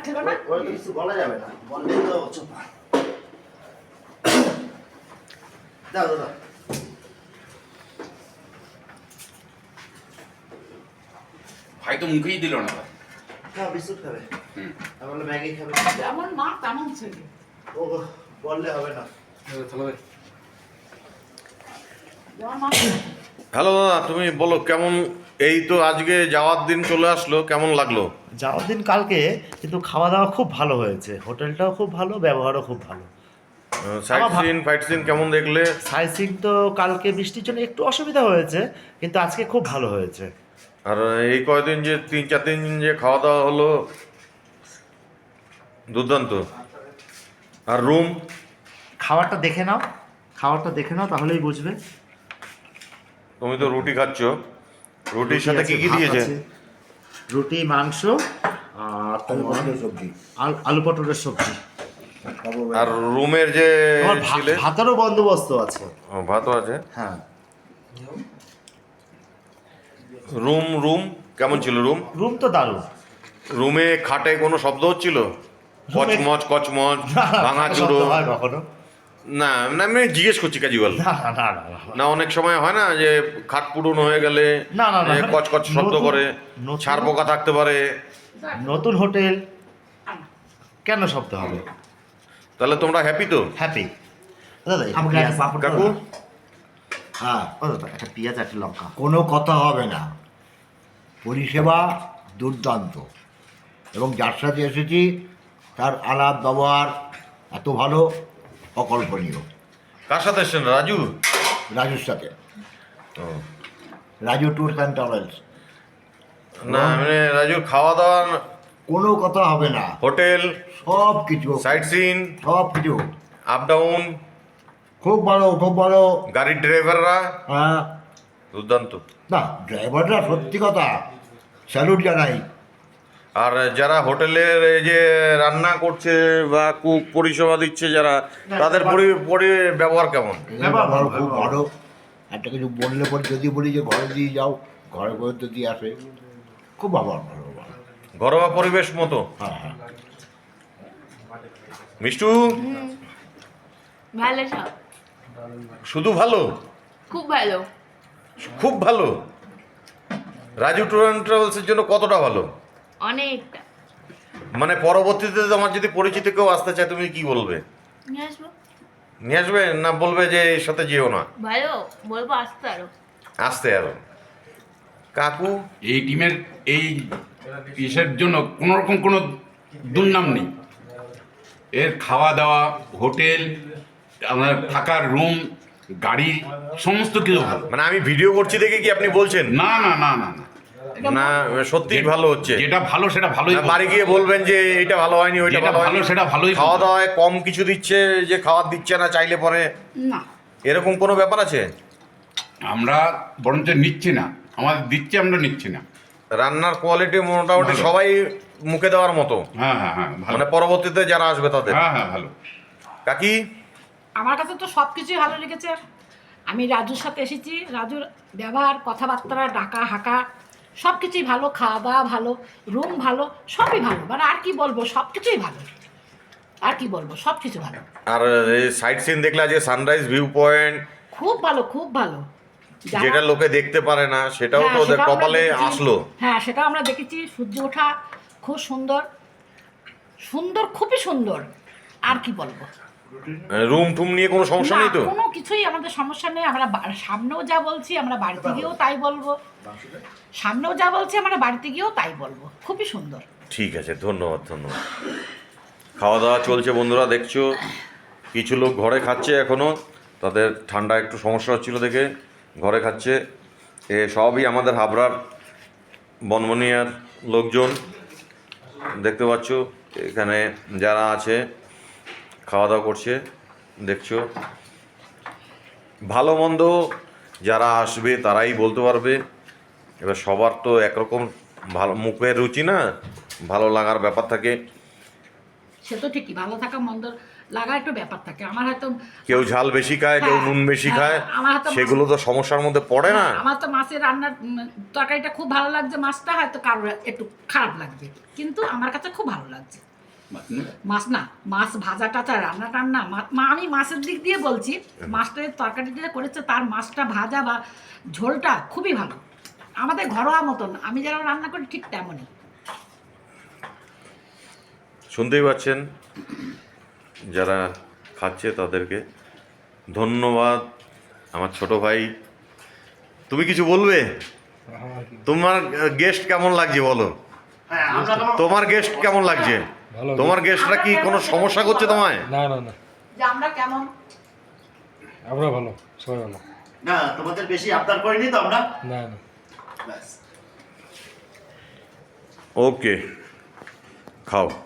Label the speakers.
Speaker 1: খেলো না?
Speaker 2: ওই কিছু বলা যাবে না, বললেই তো চোপা। দাও দাও দাও।
Speaker 3: ভাই তো মুখেই দিল না।
Speaker 2: খাও, বিস্কুট খাবে? আমি বললাম ম্যাগি খাবে।
Speaker 1: যেমন মা তেমন ছেলে।
Speaker 2: ও বললে হবে না।
Speaker 1: যেমন মা
Speaker 4: হ্যালো দাদা, তুমি বলো কেমন? এই তো আজকে যাওয়ার দিন চলে আসলো, কেমন লাগলো?
Speaker 2: যাওয়ার দিন কালকে, কিন্তু খাওয়া দাওয়া খুব ভালো হয়েছে, হোটেলটাও খুব ভালো, ব্যবহারও খুব ভালো।
Speaker 4: সাইট সিন ফাইট সিন কেমন দেখলে?
Speaker 2: সাইসিং তো কালকে বৃষ্টির জন্য একটু অসুবিধা হয়েছে, কিন্তু আজকে খুব ভালো হয়েছে।
Speaker 4: আর এই কয়দিন যে 3-4 দিন যে খাওয়া দাওয়া হলো, দুর্দান্ত। আর রুম?
Speaker 2: খাবারটা দেখে নাও, খাবারটা দেখে নাও, তাহলেই বুঝবে।
Speaker 4: তুমি তো রুটি খাচ্ছ, রুটির সাথে কি কি
Speaker 2: ভাত
Speaker 4: দিয়েছে?
Speaker 2: আছে, রুটি, মাংস আর তোমার
Speaker 5: সবজি,
Speaker 2: আলু পটলের সবজি।
Speaker 4: আর রুমের যে
Speaker 2: তোমার
Speaker 4: ছিলে?
Speaker 2: ভাতেরও বন্দোবস্ত আছে।
Speaker 4: ভাতও আছে।
Speaker 2: হ্যাঁ,
Speaker 4: রুম কেমন ছিল?
Speaker 2: রুম তো দারুণ।
Speaker 4: রুমে খাটে কোনো শব্দ হচ্ছিল? কচমচ কচমচ, ভাঙা চুরো?
Speaker 2: শব্দ হয় কখনো?
Speaker 4: না না, আমি জিজ্ঞেস করছি ক্যাজুয়াল।
Speaker 2: না না না না না।
Speaker 4: না, অনেক সময় হয় না যে খাট পুরনো হয়ে গেলে
Speaker 2: না, না, না।
Speaker 4: কচকচ শব্দ
Speaker 2: নতুন-
Speaker 4: করে,
Speaker 2: নতুন-
Speaker 4: ছাড় পোকা থাকতে পারে।
Speaker 2: নতুন হোটেল, কেন শব্দ হবে?
Speaker 4: তাহলে তোমরা হ্যাপি তো?
Speaker 2: হ্যাপি। দাদা একটু
Speaker 5: আমাকে
Speaker 2: পেঁয়াজ,
Speaker 5: একটা পাঁপড়
Speaker 4: কাকু?
Speaker 5: দাও না। হ্যাঁ,
Speaker 2: ও দাদা একটা পেঁয়াজ, একটা লঙ্কা।
Speaker 5: কোনো কথা হবে না, পরিষেবা দুর্দান্ত, এবং যার সাথে এসেছি তার আলাপ ব্যবহার এত ভালো, অকল্পনীয়।
Speaker 4: কার সাথে এসছেন? রাজু?
Speaker 5: রাজুর সাথে,
Speaker 4: ও,
Speaker 5: রাজু ট্যুরস অ্যান্ড ট্রাভেলস।
Speaker 4: না মানে রাজুর খাওয়া দাওয়া,
Speaker 5: কোনো কথা হবে না,
Speaker 4: হোটেল,
Speaker 5: সব কিছু,
Speaker 4: সাইট সিন,
Speaker 5: সব কিছু
Speaker 4: আপ ডাউন,
Speaker 5: খুব ভালো, খুব ভালো।
Speaker 4: গাড়ির ড্রাইভাররা
Speaker 5: হ্যাঁ,
Speaker 4: দুর্দান্ত।
Speaker 5: না ড্রাইভাররা সত্যি কথা স্যালুট জানাই।
Speaker 4: আর যারা হোটেলের এই যে রান্না করছে বা কুক পরিষেবা দিচ্ছে যারা, তাদের ব্যবহার কেমন?
Speaker 5: ব্যবহার খুব ভালো। একটা কিছু বললে পরে যদি বলি যে ঘরে দিয়ে যাও, ঘরে করে তো দিয়ে আসে, খুব ব্যবহার ভালো, ভালো।
Speaker 4: ঘরোয়া পরিবেশ মতো।
Speaker 5: হ্যাঁ হ্যাঁ,
Speaker 4: মিষ্টু,
Speaker 6: ভালো সব,
Speaker 4: শুধু ভালো?
Speaker 6: খুব ভালো।
Speaker 4: খুব ভালো? রাজু ট্যুর অ্যান্ড ট্রাভেলসের জন্য কতটা ভালো?
Speaker 6: অনেকটা।
Speaker 4: মানে পরবর্তীতে তোমার যদি পরিচিত কেউ আসতে চায়, তুমি কি বলবে?
Speaker 6: নিয়ে আসবো।
Speaker 4: নিয়ে আসবে না বলবে যে এর সাথে যেও না?
Speaker 6: ভালো বলবো, আসতে আরো।
Speaker 4: আসতে আরো। কাকু?
Speaker 3: এই টিমের এই ইসের জন্য কোনো রকম কোনো দুর্নাম নেই। এর খাওয়া দাওয়া, হোটেল, আপনার থাকার রুম, গাড়ি, সমস্ত কিছু ভালো।
Speaker 4: মানে আমি ভিডিও করছি দেখে কি আপনি বলছেন?
Speaker 3: না না না না না,
Speaker 4: না সত্যিই ভালো হচ্ছে?
Speaker 3: যেটা ভালো সেটা ভালোই
Speaker 4: না
Speaker 3: বলবো।
Speaker 4: বাড়ি গিয়ে বলবেন যে এটা ভালো হয়নি, ওইটা
Speaker 3: যেটা
Speaker 4: ভালো হয়নি?
Speaker 3: ভালো সেটা ভালোই বলবো।
Speaker 4: খাওয়া দাওয়ায় কম কিছু দিচ্ছে, যে খাবার দিচ্ছে না চাইলে পরে,
Speaker 1: না।
Speaker 4: এরকম কোনো ব্যাপার আছে?
Speaker 3: আমরা বরঞ্চ নিচ্ছি না, আমাদের দিচ্ছে, আমরা নিচ্ছি না।
Speaker 4: রান্নার কোয়ালিটি মোটামুটি
Speaker 3: ভালো।
Speaker 4: সবাই মুখে দেওয়ার মতো?
Speaker 3: হ্যাঁ হ্যাঁ হ্যাঁ, ভালো।
Speaker 4: মানে পরবর্তীতে যারা আসবে তাদের?
Speaker 3: হ্যাঁ হ্যাঁ, ভালো।
Speaker 4: কাকি?
Speaker 1: আমার কাছে তো সব কিছুই ভালো লেগেছে। আমি রাজুর সাথে এসেছি, রাজুর ব্যবহার, কথাবার্তা, ডাকা হাঁকা সব কিছুই ভালো, খাওয়া দাওয়া ভালো, রুম ভালো, সবই ভালো। মানে আর কি বলবো, সব কিছুই ভালো। আর কি বলবো, সব কিছু ভালো।
Speaker 4: আর এই সাইট সিন দেখলে আজকে সানরাইজ ভিউ পয়েন্ট,
Speaker 1: খুব ভালো, খুব ভালো। যারা-
Speaker 4: যেটা লোকে দেখতে পারে না, সেটাও
Speaker 1: হ্যাঁ,
Speaker 4: তো ওদের
Speaker 1: সেটাও আমরা
Speaker 4: কপালে
Speaker 1: দেখেছি।
Speaker 4: আসলো।
Speaker 1: হ্যাঁ, সেটা আমরা দেখেছি। সূর্য ওঠা খুব সুন্দর, সুন্দর, খুবই সুন্দর। আর কি বলবো?
Speaker 4: রুম টুম নিয়ে কোনো সমস্যা
Speaker 1: না,
Speaker 4: নেই তো?
Speaker 1: কোনো কিছুই আমাদের সমস্যা নেই। আমরা সামনেও যা বলছি, আমরা বাড়িতে গিয়েও তাই বলবো। সামনেও যা বলছি, আমরা বাড়িতে গিয়েও তাই বলবো। খুবই সুন্দর।
Speaker 4: ঠিক আছে, ধন্যবাদ ধন্যবাদ। খাওয়া দাওয়া চলছে বন্ধুরা, দেখছো কিছু লোক ঘরে খাচ্ছে এখনও, তাদের ঠান্ডা একটু সমস্যা হচ্ছিল দেখে ঘরে খাচ্ছে। এ সবই আমাদের হাবড়ার বনবনিয়ার লোকজন, দেখতে পাচ্ছ এখানে যারা আছে খাওয়া দাওয়া করছে, দেখছো। ভালো মন্দ যারা আসবে তারাই বলতে পারবে। এবার সবার তো একরকম ভালো মুখের রুচি না, ভালো লাগার ব্যাপার থাকে।
Speaker 1: সে তো ঠিকই, ভালো থাকা মন্দ লাগা একটু ব্যাপার থাকে। আমার হয়তো
Speaker 4: কেউ ঝাল বেশি খায়, কেউ
Speaker 1: হ্যাঁ,
Speaker 4: নুন বেশি
Speaker 1: হ্যাঁ,
Speaker 4: খায়,
Speaker 1: আমার হয়তো
Speaker 4: সেগুলো তো সমস্যার মধ্যে পড়ে না।
Speaker 1: আমার তো মাছের রান্নার তরকারিটা খুব ভালো লাগছে, মাছটা হয়তো কারোর একটু খারাপ লাগবে, কিন্তু আমার কাছে খুব ভালো লাগছে। মাছ না, মাছ ভাজা টাজা রান্না টান্না আমি মাছের দিক দিয়ে বলছি, মাছটা তরকারি দিয়ে করেছে তার মাছটা ভাজা বা ঝোলটা খুবই ভালো, আমাদের ঘরোয়া মতন আমি যেন রান্না করি ঠিক তেমনই।
Speaker 4: শুনতেই পাচ্ছেন যারা খাচ্ছে তাদেরকে ধন্যবাদ। আমার ছোট ভাই, তুমি কিছু বলবে? তোমার গেস্ট কেমন লাগছে বলো?
Speaker 2: হ্যাঁ, আমরা তোমার
Speaker 4: তোমার গেস্ট কেমন লাগছে?
Speaker 7: ভালো।
Speaker 4: তোমার গেস্টরা কি কোনো সমস্যা করছে তোমায়?
Speaker 7: না না না,
Speaker 1: যে আমরা কেমন
Speaker 7: আমরা ভালো, সবাই ভালো।
Speaker 2: না, তোমাদের বেশি আবদার করিনি তো আমরা।
Speaker 7: না না,
Speaker 2: ব্যাস।
Speaker 4: ওকে, খাও।